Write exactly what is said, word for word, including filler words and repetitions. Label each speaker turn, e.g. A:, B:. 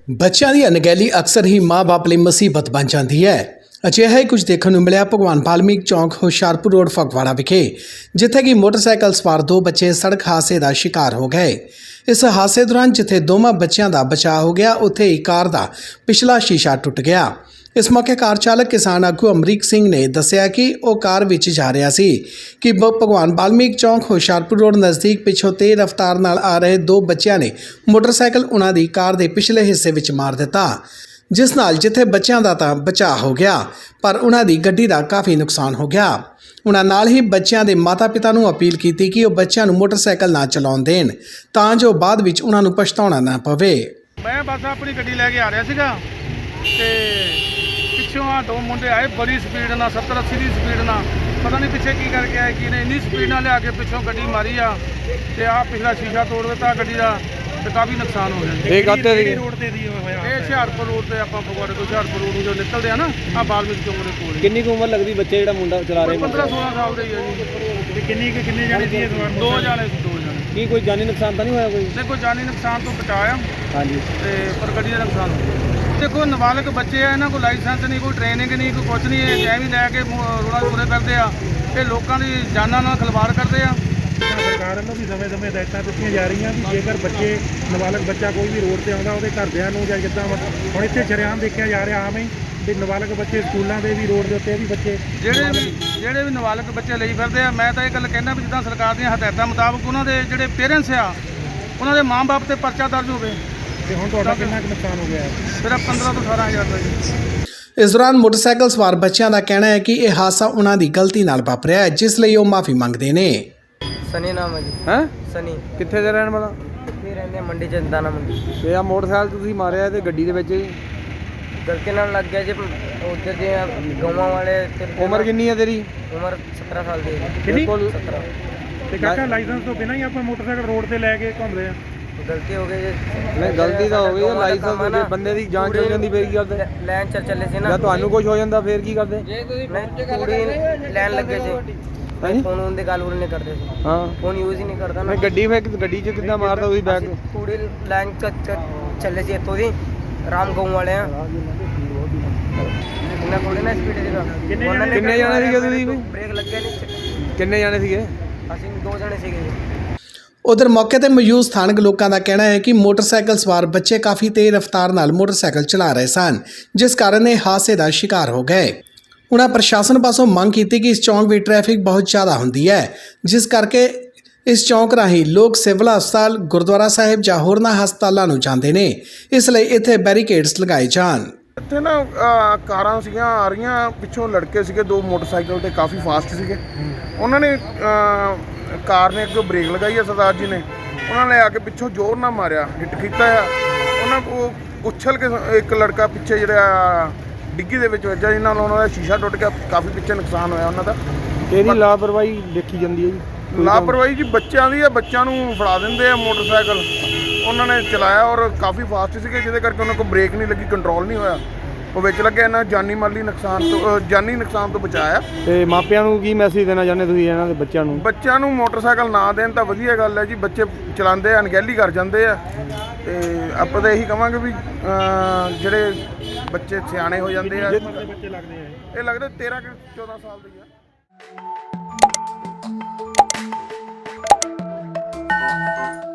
A: ਬੱਚਿਆਂ ਦੀ ਅਣਗਹਿਲੀ ਅਕਸਰ ਹੀ ਮਾਂ-ਬਾਪ ਲਈ ਮੁਸੀਬਤ ਬਣ ਜਾਂਦੀ ਹੈ। ਅਜਿਹਾ ਹੀ ਕੁਝ ਦੇਖਣ ਨੂੰ ਮਿਲਿਆ ਭਗਵਾਨ ਵਾਲਮੀਕ ਚੌਂਕ ਹੁਸ਼ਿਆਰਪੁਰ ਰੋਡ ਫਗਵਾੜਾ ਵਿਖੇ, ਜਿੱਥੇ ਕਿ ਮੋਟਰਸਾਈਕਲ ਸਵਾਰ ਦੋ ਬੱਚੇ ਸੜਕ ਹਾਦਸੇ ਦਾ ਸ਼ਿਕਾਰ ਹੋ ਗਏ। ਇਸ ਹਾਦਸੇ ਦੌਰਾਨ ਜਿੱਥੇ ਦੋਵਾਂ ਬੱਚਿਆਂ ਦਾ ਬਚਾਅ ਹੋ ਗਿਆ, ਉੱਥੇ ਹੀ ਕਾਰ ਦਾ ਪਿਛਲਾ ਸ਼ੀਸ਼ਾ ਟੁੱਟ ਗਿਆ। ਇਸ ਮੌਕੇ ਕਾਰ ਚਾਲਕ ਕਿਸਾਨ ਆਗੂ ਅਮਰੀਕ ਸਿੰਘ ਨੇ ਦੱਸਿਆ ਕਿ ਉਹ ਕਾਰ ਵਿੱਚ ਜਾ ਰਿਹਾ ਸੀ ਕਿ ਭਗਵਾਨ ਵਾਲਮੀਕ ਚੌਂਕ ਹੁਸ਼ਿਆਰਪੁਰ ਰੋਡ ਨਜ਼ਦੀਕ ਪਿੱਛੋਂ ਤੇਜ਼ ਰਫ਼ਤਾਰ ਨਾਲ ਆ ਰਹੇ ਦੋ ਬੱਚਿਆਂ ਨੇ ਮੋਟਰਸਾਈਕਲ ਉਹਨਾਂ ਦੀ ਕਾਰ ਦੇ ਪਿਛਲੇ ਹਿੱਸੇ ਵਿੱਚ ਮਾਰ ਦਿੱਤਾ, ਜਿਸ ਨਾਲ ਜਿੱਥੇ ਬੱਚਿਆਂ ਦਾ ਤਾਂ ਬਚਾਅ ਹੋ ਗਿਆ, ਪਰ ਉਹਨਾਂ ਦੀ ਗੱਡੀ ਦਾ ਕਾਫੀ ਨੁਕਸਾਨ ਹੋ ਗਿਆ। ਉਹਨਾਂ ਨਾਲ ਹੀ ਬੱਚਿਆਂ ਦੇ ਮਾਤਾ-ਪਿਤਾ ਨੂੰ ਅਪੀਲ ਕੀਤੀ ਕਿ ਉਹ ਬੱਚਿਆਂ ਨੂੰ ਮੋਟਰਸਾਈਕਲ ਨਾ ਚਲਾਉਣ ਦੇਣ, ਤਾਂ ਜੋ ਬਾਅਦ ਵਿੱਚ ਉਹਨਾਂ ਨੂੰ ਪਛਤਾਉਣਾ ਨਾ ਪਵੇ।
B: ਮੈਂ ਬਸ ਆਪਣੀ ਗੱਡੀ ਲੈ ਕੇ ਆ ਰਿਹਾ ਸੀਗਾ ਤੇ ਪਿੱਛੋਂ ਆ ਦੋ ਮੁੰਡੇ ਆਏ ਬੜੀ ਸਪੀਡ ਨਾਲ, ਸੱਤਰ ਅੱਸੀ ਦੀ ਸਪੀਡ ਨਾਲ, ਪਤਾ ਨਹੀਂ ਪਿੱਛੇ ਕੀ ਕਰਕੇ ਆਏ, ਕੀ ਨੇ ਇੰਨੀ ਸਪੀਡ ਨਾਲ ਲਿਆ ਕੇ ਪਿੱਛੋਂ ਗੱਡੀ ਮਾਰੀ ਆ ਤੇ ਆ ਪਿਛਲਾ ਸ਼ੀਸ਼ਾ ਤੋੜ ਦਿੱਤਾ ਗੱਡੀ ਦਾ ਤੇ ਕਾਫੀ ਨੁਕਸਾਨ ਹੋ ਗਿਆ।
C: ਇਹ ਕਾਹਤੇ ਦੀ
B: ਰੋਡ ਤੇ ਦੀ ਹੋਇਆ, ਇਹ ਹੁਸ਼ਿਆਰਪੁਰ ਰੋਡ ਤੇ ਆਪਾਂ ਫਗਵਾੜੇ ਤੋਂ ਹੁਸ਼ਿਆਰਪੁਰ ਰੋਡ ਨੂੰ ਜੋ ਨਿਕਲਦੇ ਆ ਨਾ, ਆ ਵਾਲਮੀਕ ਚੌਂਕ ਦੇ ਕੋਲ।
C: ਕਿੰਨੀ ਕੁ ਉਮਰ ਲੱਗਦੀ ਬੱਚੇ ਜਿਹੜਾ ਮੁੰਡਾ ਚਲਾ ਰਿਹਾ?
B: ਪੰਦਰਾਂ ਸੋਲਾਂ ਸਾਲ ਦੇ ਹੀ ਆ ਜੀ। ਤੇ ਕਿੰਨੀ ਕਿ ਕਿੰਨੇ ਜਾਣੇ ਸੀ? ਦੋ ਜਾਣੇ ਸੀ, ਦੋ ਜਾਣੇ।
C: ਕੀ ਕੋਈ ਜਾਨੀ ਨੁਕਸਾਨ ਤਾਂ ਨਹੀਂ ਹੋਇਆ? ਕੋਈ
B: ਨਹੀਂ, ਕੋਈ ਜਾਨੀ ਨੁਕਸਾਨ ਤੋਂ ਬਚਾਇਆ
C: ਹਾਂਜੀ,
B: ਤੇ ਪਰ ਗੱਡੀ ਦਾ ਨੁਕਸਾਨ ਹੋ ਗਿਆ। देखो नाबालिग बच्चे हैं, इन्हों को लाइसेंस नहीं, कोई ट्रेनिंग नहीं, कोई कुछ नहीं है, जै भी लैके रोड़ा तुरे फिरते हैं, ये लोगों की जाना नाल खिलवाड़ करते हैं।
D: सरकार ਵੱਲੋਂ ਵੀ ਸਮੇਂ ਸਮੇਂ ਹਦਾਇਤਾਂ ਦਿੱਤੀਆਂ ਜਾ ਰਹੀਆਂ ਵੀ ਜੇਕਰ ਬੱਚੇ ਨਾਬਾਲਗ ਬੱਚਾ ਕੋਈ ਵੀ ਰੋਡ ਤੇ ਆਉਂਦਾ ਉਹਦੇ ਘਰਦਿਆਂ ਨੂੰ ਜਾਂ ਜਿੱਦਾਂ ਹੁਣ ਇੱਥੇ ਸ਼ਰੇਆਮ ਦੇਖਿਆ ਜਾ ਰਿਹਾ ਆਮ ਹੀ ਤੇ ਨਾਬਾਲਗ ਬੱਚੇ ਸਕੂਲਾਂ ਦੇ ਵੀ ਰੋਡ ਦੇ ਉੱਤੇ ਵੀ ਬੱਚੇ
B: ਜਿਹੜੇ ਵੀ ਜਿਹੜੇ ਵੀ ਨਾਬਾਲਗ ਬੱਚੇ ਲਈ ਫਿਰਦੇ ਆ, ਮੈਂ ਤਾਂ ਇਹ ਗੱਲ ਕਹਿਣਾ ਵੀ ਜਿੱਦਾਂ ਸਰਕਾਰ ਦੀਆਂ ਹਦਾਇਤਾਂ ਮੁਤਾਬਕ ਉਹਨਾਂ ਦੇ ਜਿਹੜੇ ਪੇਰੈਂਟਸ ਆ ਉਹਨਾਂ ਦੇ ਮਾਂ-ਬਾਪ ਤੇ ਪਰਚਾ ਦਰਜ ਹੋਵੇ।
D: ਤੇ ਹੁਣ ਤੁਹਾਡਾ ਕਿੰਨਾ ਕੁ ਨੁਕਸਾਨ ਹੋ ਗਿਆ ਹੈ?
B: ਸਿਰਫ ਪੰਦਰਾਂ ਤੋਂ ਅਠਾਰਾਂ ਹਜ਼ਾਰ ਦਾ ਜੀ।
A: ਇਸ ਦੌਰਾਨ ਮੋਟਰਸਾਈਕਲ ਸਵਾਰ ਬੱਚਿਆਂ ਦਾ ਕਹਿਣਾ ਹੈ ਕਿ ਇਹ ਹਾਦਸਾ ਉਹਨਾਂ ਦੀ ਗਲਤੀ ਨਾਲ ਵਾਪਰਿਆ ਹੈ, ਜਿਸ ਲਈ ਉਹ ਮਾਫੀ ਮੰਗਦੇ ਨੇ।
E: सनी नाम है जी।
C: ਹੈ
E: सनी
C: ਕਿੱਥੇ ਦੇ ਰਹਿਣ ਵਾਲਾ?
E: ਇੱਥੇ ਰਹਿੰਦੇ ਮੰਡੀ ਚ, ਦਾਣਾ ਮੰਡੀ।
C: ਤੇ ਆ ਮੋਟਰਸਾਈਕਲ ਤੁਸੀਂ ਮਾਰਿਆ ਤੇ ਗੱਡੀ ਦੇ ਵਿੱਚ
E: ਗਲਤੀ ਨਾਲ ਲੱਗ ਗਿਆ ਜੀ। ਉੱਧਰ ਦੇ ਗਾਵਾਂ ਵਾਲੇ ਤੇ-
C: ਉਮਰ ਕਿੰਨੀ ਹੈ ਤੇਰੀ?
E: ਉਮਰ ਸत्रह ਸਾਲ ਦੀ ਹੈ।
D: ਕਿੰਨੀ?
C: ਬਿਲਕੁਲ
E: सत्रह।
D: ਤੇ ਕਾਕਾ ਲਾਇਸੈਂਸ ਤੋਂ ਬਿਨਾਂ ਹੀ ਆਪਾਂ ਮੋਟਰਸਾਈਕਲ ਰੋਡ ਤੇ ਲੈ ਕੇ ਘੁੰਮਦੇ ਆ?
E: ਗਲਤੀ ਹੋ ਗਈ ਜੀ।
C: ਨਹੀਂ, ਗਲਤੀ ਤਾਂ ਹੋ ਗਈ। ਲਾਇਸੈਂਸ ਦੇ ਬੰਦੇ ਦੀ ਜਾਂਚ ਹੋ ਜਾਂਦੀ ਫੇਰ ਕੀ ਕਰਦੇ?
E: ਲੈਣ ਚ ਚੱਲੇ ਸੀ ਨਾ।
C: ਜਾਂ ਤੁਹਾਨੂੰ ਕੁਝ ਹੋ ਜਾਂਦਾ ਫੇਰ ਕੀ ਕਰਦੇ?
E: ਨਹੀਂ, ਕੁੜੀ ਲੈਣ ਲੱਗੇ ਸੀ।
C: ਹਾਂਜੀ,
E: ਫੋਨ ਉਹਦੇ ਗੱਲ ਉਲ ਨਹੀਂ ਕਰਦੇ ਸੀ।
C: ਹਾਂ।
E: ਫੋਨ ਯੂਜ਼ ਹੀ ਨਹੀਂ ਕਰਦਾ ਨਾ।
C: ਮੈਂ ਗੱਡੀ ਫੇਰ ਗੱਡੀ 'ਚ ਕਿੱਦਾਂ ਮਾਰਦਾ ਤੁਸੀਂ ਬੈਗ?
E: ਕੁੜੀ ਲੈਣ ਚ ਚ- ਚੱਲੇ ਸੀ ਇੱਥੋਂ ਦੀ ਰਾਮ ਗਾਉਂ ਵਾਲੇ ਆ। ਇਹਨਾਂ ਕੋਲ ਨਾ ਸਪੀਡ ਸੀਗਾ।
D: ਕਿੰਨੇ
E: ਉਹਨਾਂ ਨੇ
C: ਕਿੰਨੇ ਜਾਣੇ ਸੀਗੇ ਤੁਸੀਂ?
E: ਬ੍ਰੇਕ ਲੱਗਿਆ ਨਹੀਂ।
C: ਕਿੰਨੇ ਜਾਣੇ ਸੀਗੇ?
E: ਅਸੀਂ ਦੋ ਜਣੇ ਸੀਗੇ ਜੀ।
A: ਉਧਰ ਮੌਕੇ ਤੇ ਮੌਜੂਦ ਸਥਾਨਕ ਲੋਕਾਂ ਦਾ ਕਹਿਣਾ ਹੈ ਕਿ ਮੋਟਰਸਾਈਕਲ ਸਵਾਰ ਬੱਚੇ ਕਾਫੀ ਤੇਜ਼ ਰਫ਼ਤਾਰ ਨਾਲ ਮੋਟਰਸਾਈਕਲ ਚਲਾ ਰਹੇ ਸਨ, ਜਿਸ ਕਾਰਨ ਇਹ ਹਾਦਸੇ ਦਾ ਸ਼ਿਕਾਰ ਹੋ ਗਏ। ਉਹਨਾਂ ਪ੍ਰਸ਼ਾਸਨ ਪਾਸੋਂ ਮੰਗ ਕੀਤੀ ਕਿ ਇਸ ਚੌਂਕ ਵਿੱਚ ਟ੍ਰੈਫਿਕ ਬਹੁਤ ਜ਼ਿਆਦਾ ਹੁੰਦੀ ਹੈ, ਜਿਸ ਕਰਕੇ ਇਸ ਚੌਂਕ ਰਾਹੀਂ ਲੋਕ ਸਿਵਲ ਹਸਪਤਾਲ, ਗੁਰਦੁਆਰਾ ਸਾਹਿਬ ਜਾਂ ਹੋਰਨਾਂ ਹਸਪਤਾਲਾਂ ਨੂੰ ਜਾਂਦੇ ਨੇ, ਇਸ ਲਈ ਇੱਥੇ ਬੈਰੀਕੇਡਸ ਲਗਾਏ ਜਾਣ।
F: ਇੱਥੇ ਨਾ ਕਾਰਾਂ ਸੀਗੀਆਂ ਆ ਰਹੀਆਂ, ਪਿੱਛੋਂ ਲੜਕੇ ਸੀਗੇ ਦੋ ਮੋਟਰਸਾਈਕਲ ਤੇ ਕਾਫੀ ਫਾਸਟ ਸੀਗੇ। ਉਹਨਾਂ ਨੇ ਕਾਰ ਨੇ ਅੱਗੇ ਬ੍ਰੇਕ ਲਗਾਈ ਆ, ਸਰਦਾਰ ਜੀ ਨੇ ਉਹਨਾਂ ਨੇ ਆ ਕੇ ਪਿੱਛੋਂ ਜ਼ੋਰ ਨਾਲ ਮਾਰਿਆ, ਹਿੱਟ ਕੀਤਾ ਆ। ਉਹਨਾਂ ਉਹ ਉਛਲ ਕੇ ਇੱਕ ਲੜਕਾ ਪਿੱਛੇ ਜਿਹੜਾ ਡਿੱਗੀ ਦੇ ਵਿੱਚ ਵੱਜਾ, ਜਿਹਨਾਂ ਨਾਲ ਉਹਨਾਂ ਦਾ ਸ਼ੀਸ਼ਾ ਟੁੱਟ ਗਿਆ, ਕਾਫੀ ਪਿੱਛੇ ਨੁਕਸਾਨ ਹੋਇਆ ਉਹਨਾਂ ਦਾ।
C: ਕਿਹੜੀ ਲਾਪਰਵਾਹੀ ਦੇਖੀ ਜਾਂਦੀ ਹੈ ਜੀ?
F: ਲਾਪਰਵਾਹੀ ਜੀ ਬੱਚਿਆਂ ਦੀ ਆ, ਬੱਚਿਆਂ ਨੂੰ ਫੜਾ ਦਿੰਦੇ ਆ ਮੋਟਰਸਾਈਕਲ। ਉਹਨਾਂ ਨੇ ਚਲਾਇਆ ਔਰ ਕਾਫੀ ਫਾਸਟ ਸੀਗੇ, ਜਿਹਦੇ ਕਰਕੇ ਉਹਨਾਂ ਕੋਲ ਬ੍ਰੇਕ ਨਹੀਂ ਲੱਗੀ, ਕੰਟਰੋਲ ਨਹੀਂ ਹੋਇਆ, ਉਹ ਵਿੱਚ ਲੱਗਿਆ। ਇਹਨਾਂ ਜਾਨੀ ਮਾਲੀ ਨੁਕਸਾਨ ਤੋਂ ਜਾਨੀ ਨੁਕਸਾਨ ਤੋਂ ਬਚਾਇਆ।
C: ਤੇ ਮਾਪਿਆਂ ਨੂੰ ਕੀ ਮੈਸੇਜ ਦੇਣਾ ਚਾਹੁੰਦੇ ਤੁਸੀਂ ਇਹਨਾਂ ਦੇ ਬੱਚਿਆਂ ਨੂੰ?
F: ਬੱਚਿਆਂ ਨੂੰ ਮੋਟਰਸਾਈਕਲ ਨਾ ਦੇਣ ਤਾਂ ਵਧੀਆ ਗੱਲ ਹੈ ਜੀ। ਬੱਚੇ ਚਲਾਉਂਦੇ ਆ, ਅਣਗਹਿਲੀ ਕਰ ਜਾਂਦੇ ਆ, ਤੇ ਆਪਾਂ ਤਾਂ ਇਹੀ ਕਹਾਂਗੇ ਵੀ ਜਿਹੜੇ ਬੱਚੇ ਸਿਆਣੇ ਹੋ ਜਾਂਦੇ ਆ।
D: ਬੱਚੇ ਲੱਗਦੇ ਆ
F: ਇਹ ਲੱਗਦਾ ਤੇਰਾਂ ਕਿ ਚੌਦਾਂ ਸਾਲ ਦੇ ਆ।